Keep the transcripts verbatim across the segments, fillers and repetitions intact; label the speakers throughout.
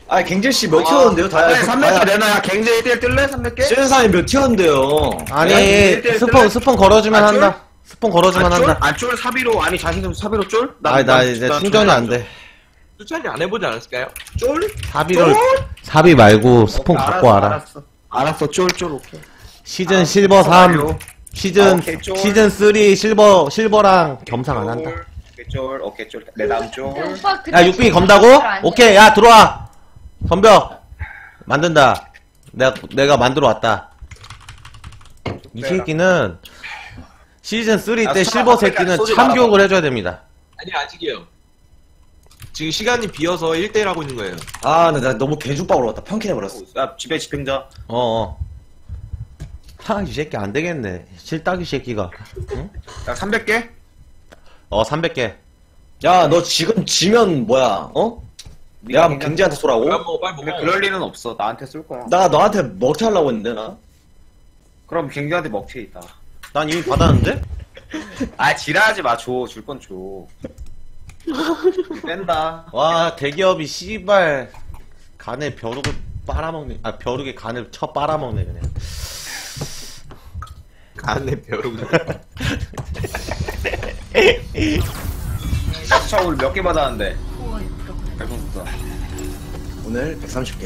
Speaker 1: 아 갱제씨 몇 티어인데요? 다야
Speaker 2: 네, 삼백 개 내놔. 야, 갱제 일 대 일 뜰래? 삼백 개?
Speaker 1: 쓰는 사람이 몇 티어인데요?
Speaker 3: 아니
Speaker 2: 일 대 일
Speaker 3: 스폰
Speaker 2: 뜰래?
Speaker 3: 스폰 걸어주면
Speaker 2: 아,
Speaker 3: 한다. 스폰 걸어주면
Speaker 2: 아, 쫄?
Speaker 3: 한다.
Speaker 2: 아, 쫄 사비로, 아니, 자신 좀 사비로 쫄?
Speaker 3: 아니 나 이제 충전이 안 돼.
Speaker 4: 수찬이 안 해보지 않았을까요?
Speaker 2: 쫄?
Speaker 3: 사비를 사비 말고 스폰
Speaker 2: 오케이,
Speaker 3: 갖고 와라.
Speaker 2: 알았어. 알았어, 쫄, 쫄, 오케이.
Speaker 3: 시즌 실버 삼,
Speaker 2: 좋아요.
Speaker 3: 시즌
Speaker 2: 아, 오케이, 쫄.
Speaker 3: 시즌 삼 실버 실버랑 겸상 안 한다.
Speaker 2: 오케이, 쫄, 오케이, 쫄. 내 다음 쫄.
Speaker 5: 오빠 그때
Speaker 3: 야 육빈이 검다고? 오케이 야 들어와. 덤벼. 만든다. 내가 내가 만들어 왔다. 이 새끼는 시즌 삼
Speaker 2: 야,
Speaker 3: 때
Speaker 2: 수찬아,
Speaker 3: 실버
Speaker 2: 앞에
Speaker 3: 새끼는
Speaker 2: 소리
Speaker 3: 참교육을 해줘야 됩니다.
Speaker 4: 아니 아직이요. 지금 시간이 비어서 일 대 일 하고 있는 거예요.
Speaker 1: 아 근데 나 너무 개죽박으로 왔다. 평캔해버렸어.
Speaker 2: 야, 집에 집행자.
Speaker 3: 어어. 하, 이 새끼 안 되겠네. 실딱이 새끼가. 응?
Speaker 2: 야, 삼백 개?
Speaker 3: 어, 삼백 개.
Speaker 1: 야 너 지금 지면 뭐야? 어? 내가
Speaker 2: 네가
Speaker 1: 갱제한테 쏘라고?
Speaker 4: 빨리 먹어 빨리
Speaker 2: 근데
Speaker 4: 먹어.
Speaker 2: 그럴 리는 없어. 나한테 쏠 거야.
Speaker 1: 나 너한테 먹튀 하려고 했는데 나?
Speaker 2: 그럼 갱제한테 먹튀 있다.
Speaker 3: 난 이미 받았는데?
Speaker 2: 아, 지랄하지 마. 줘. 줄 건 줘. 뺀다.
Speaker 3: 와, 대기업이 씨발 간에 벼룩을 빨아먹네. 아, 벼룩에 간을 쳐 빨아먹네, 그냥.
Speaker 4: 간에 벼룩.
Speaker 2: 차 오늘 몇 개 받았는데? 배고프다.
Speaker 1: 오늘 백삼십 개.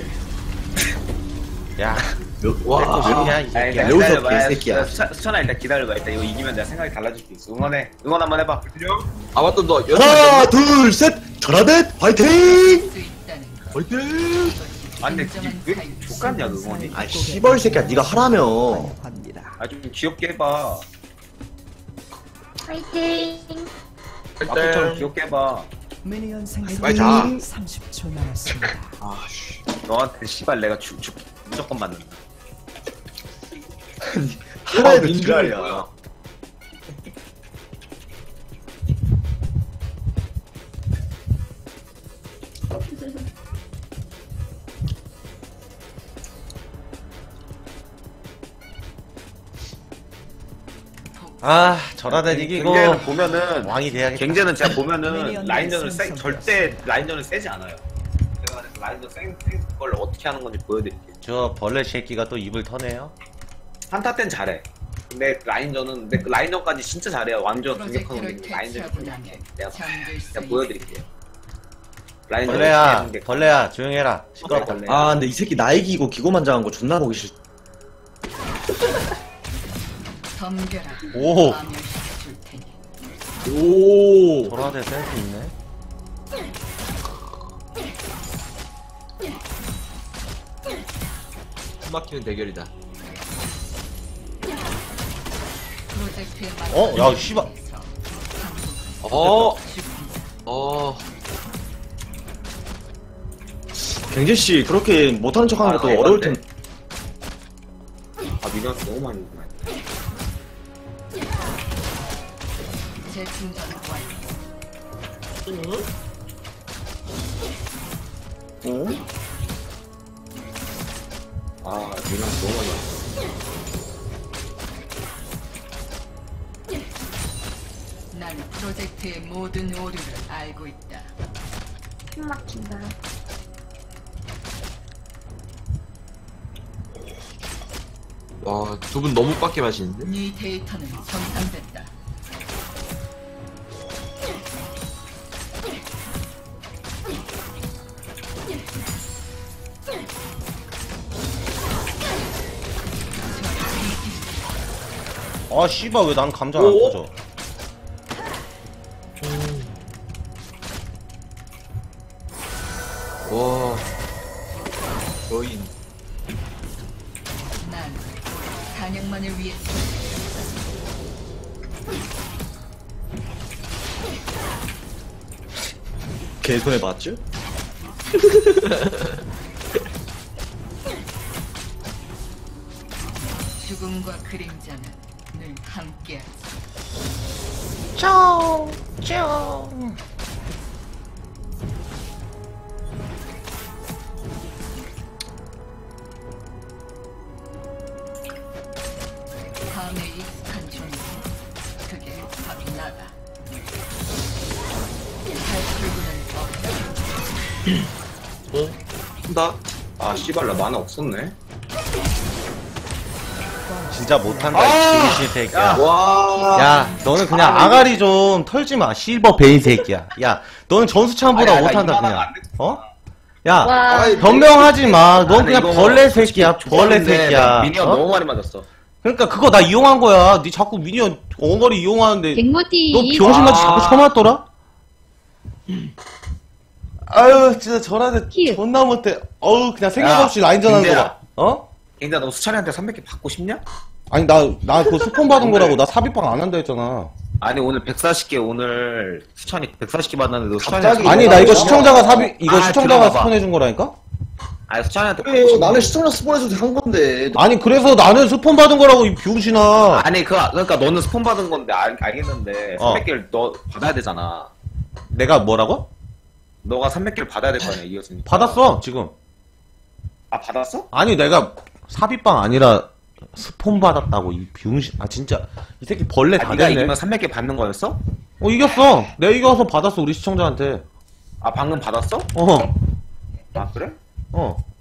Speaker 3: 야,
Speaker 4: 와.
Speaker 3: 아니야, 이
Speaker 2: 아,
Speaker 3: 새끼야.
Speaker 2: 일단
Speaker 1: 매우석
Speaker 2: 기다려봐.
Speaker 1: 개새끼야.
Speaker 2: 수찬, 수찬아 일단 기다려봐. 일단 이거 이기면 내가 생각이 달라질 수 있어. 응원해. 응원 한번 해봐.
Speaker 4: 아 맞다 너 여섯
Speaker 1: 하나 둘셋 전화댓 화이팅!
Speaker 4: 화이팅.
Speaker 2: 아 근데 이게 왜 이렇게 족같냐 그 응원이?
Speaker 1: 아 씨벌 새끼야 네가 하라며.
Speaker 2: 아 좀 귀엽게 해봐.
Speaker 5: 파이팅.
Speaker 2: 마크처럼
Speaker 4: 화이팅.
Speaker 2: 귀엽게 해봐.
Speaker 6: 미니언
Speaker 4: 빨리
Speaker 6: 생성
Speaker 4: 자.
Speaker 6: 삼십 초 남았습니다.
Speaker 2: 아씨. 너한테 씨발 내가 죽, 죽 무조건 맞는다.
Speaker 1: 하나에도
Speaker 4: 민준이
Speaker 1: 지랄이야.
Speaker 4: 뭐야?
Speaker 3: 아, 전화대 이기고
Speaker 2: 갱제는 보면은
Speaker 3: 왕이 돼야겠다.
Speaker 2: 갱제는 제가 보면은
Speaker 6: 미니언
Speaker 2: 라인전을 세,
Speaker 6: 생성
Speaker 2: 절대 라인전을 세지 않아요. 제가 그래서 라인전 센, 센 걸 어떻게 하는 건지 보여드릴게요.
Speaker 3: 저 벌레 새끼가 또 입을 터네요.
Speaker 2: 한타 땐 잘해. 근데 라인전은 근데 그 라인전까지 진짜 잘해요. 완전 공격하는 게 라인전이 공격해. 내가 내가 보여드릴게요. 라인전
Speaker 3: 벌레야, 벌레야, 조용해라. 시끄럽다.
Speaker 2: 벌레.
Speaker 1: 아 근데 이 새끼 나 이기고 기고만장한 거 존나 보기 싫.
Speaker 5: 덤벼라.
Speaker 3: 오,
Speaker 5: 파멸시켜줄 테니.
Speaker 4: 오.
Speaker 3: 전화대 센스 있네.
Speaker 4: 숨막히는 대결이다.
Speaker 5: 프로젝트에
Speaker 3: 어, 야, 씨발.
Speaker 4: 어. 어.
Speaker 1: 갱제씨 그렇게 못하는 척하는
Speaker 2: 아,
Speaker 1: 것도
Speaker 2: 나
Speaker 1: 어려울
Speaker 2: 이건데.
Speaker 1: 텐데.
Speaker 2: 아 미니언 너무 많이 있구나.
Speaker 5: 재충전 완료.
Speaker 1: 어?
Speaker 2: 아 미니언 너무 많이 왔어.
Speaker 5: 난 프로젝트의 모든 오류를 알고 있다.
Speaker 7: 숨 막힌다.
Speaker 4: 와, 두 분 너무 빡게 마시는데?
Speaker 5: 네 데이터는 정상됐다.
Speaker 3: 아, 씨발, 왜 난 감자 안 터져?
Speaker 4: 와. 여인.
Speaker 5: 난 사냥만을 위해
Speaker 1: 개손해 봤죠?
Speaker 5: 죽음과 그림자는 늘 함께하지.
Speaker 3: 쫑, 쫑.
Speaker 5: 밤에 익숙한 존재. 그게 바로 나다. 탈출구는 없다.
Speaker 4: 어? 한다.
Speaker 2: 아 씨발 나 만화 없었네.
Speaker 3: 진짜 못한다
Speaker 2: 아!
Speaker 3: 이 병신 새끼야.
Speaker 2: 와.
Speaker 3: 야, 너는 그냥
Speaker 2: 아,
Speaker 3: 아가리 좀 털지 마. 실버 베인 새끼야. 야, 너는 전수창보다
Speaker 2: 아니, 아니,
Speaker 3: 못한다
Speaker 2: 이만하면
Speaker 3: 그냥.
Speaker 2: 안 됐어.
Speaker 3: 어? 야,
Speaker 7: 와.
Speaker 2: 아이,
Speaker 3: 변명하지 마. 넌
Speaker 2: 아니,
Speaker 3: 그냥
Speaker 2: 이거
Speaker 3: 벌레 새끼야. 벌레
Speaker 2: 좋았는데
Speaker 3: 새끼야.
Speaker 2: 미니언
Speaker 3: 어?
Speaker 2: 너무 많이 맞았어.
Speaker 3: 그러니까 그거 나 이용한 거야. 니 자꾸 미니언 엉거리 이용하는데
Speaker 7: 갱모티.
Speaker 3: 너 병신같이
Speaker 2: 아.
Speaker 3: 자꾸 쳐맞더라? 아유, 진짜 저한테
Speaker 7: 키.
Speaker 3: 존나 못해. 어우, 그냥 생각
Speaker 2: 야,
Speaker 3: 없이 라인전 하는 거
Speaker 2: 민재야.
Speaker 3: 봐. 어?
Speaker 2: 갱자 너 수찬이한테 삼백 개 받고 싶냐?
Speaker 3: 아니, 나, 나 그거 스폰 받은 거라고. 나 삽입방 안 한다 했잖아.
Speaker 2: 아니 오늘 백사십 개 오늘 수찬이 백사십 개 받았는데 너 수찬이
Speaker 1: 갑자기?
Speaker 3: 아니, 나 이거 시청자가 삽입, 이거
Speaker 2: 아,
Speaker 3: 시청자가
Speaker 2: 들어가봐.
Speaker 3: 스폰해준 거라니까?
Speaker 2: 아니 수찬이한테 받고
Speaker 1: 그래,
Speaker 2: 싶냐?
Speaker 1: 나는 시청자 스폰에서 한 건데.
Speaker 3: 아니, 그래서 나는 스폰 받은 거라고, 이 병신아.
Speaker 2: 아니 그 그러니까 너는 스폰 받은 건데 알, 알겠는데
Speaker 3: 어.
Speaker 2: 삼백 개를 너 받아야 되잖아.
Speaker 3: 내가 뭐라고?
Speaker 2: 너가 삼백 개를 받아야 될 거 아니야 이겼으니까.
Speaker 3: 받았어, 지금.
Speaker 2: 아 받았어?
Speaker 3: 아니, 내가 삽입방 아니라 스폰 받았다고, 이 병신. 아, 진짜. 이 새끼 벌레
Speaker 2: 아,
Speaker 3: 다
Speaker 2: 네가
Speaker 3: 됐네.
Speaker 2: 이기면 삼백 개 받는 거였어?
Speaker 3: 어, 이겼어. 내가 이겨서 받았어, 우리 시청자한테.
Speaker 2: 아 방금 받았어?
Speaker 3: 어,
Speaker 2: 아 그래?
Speaker 3: 어.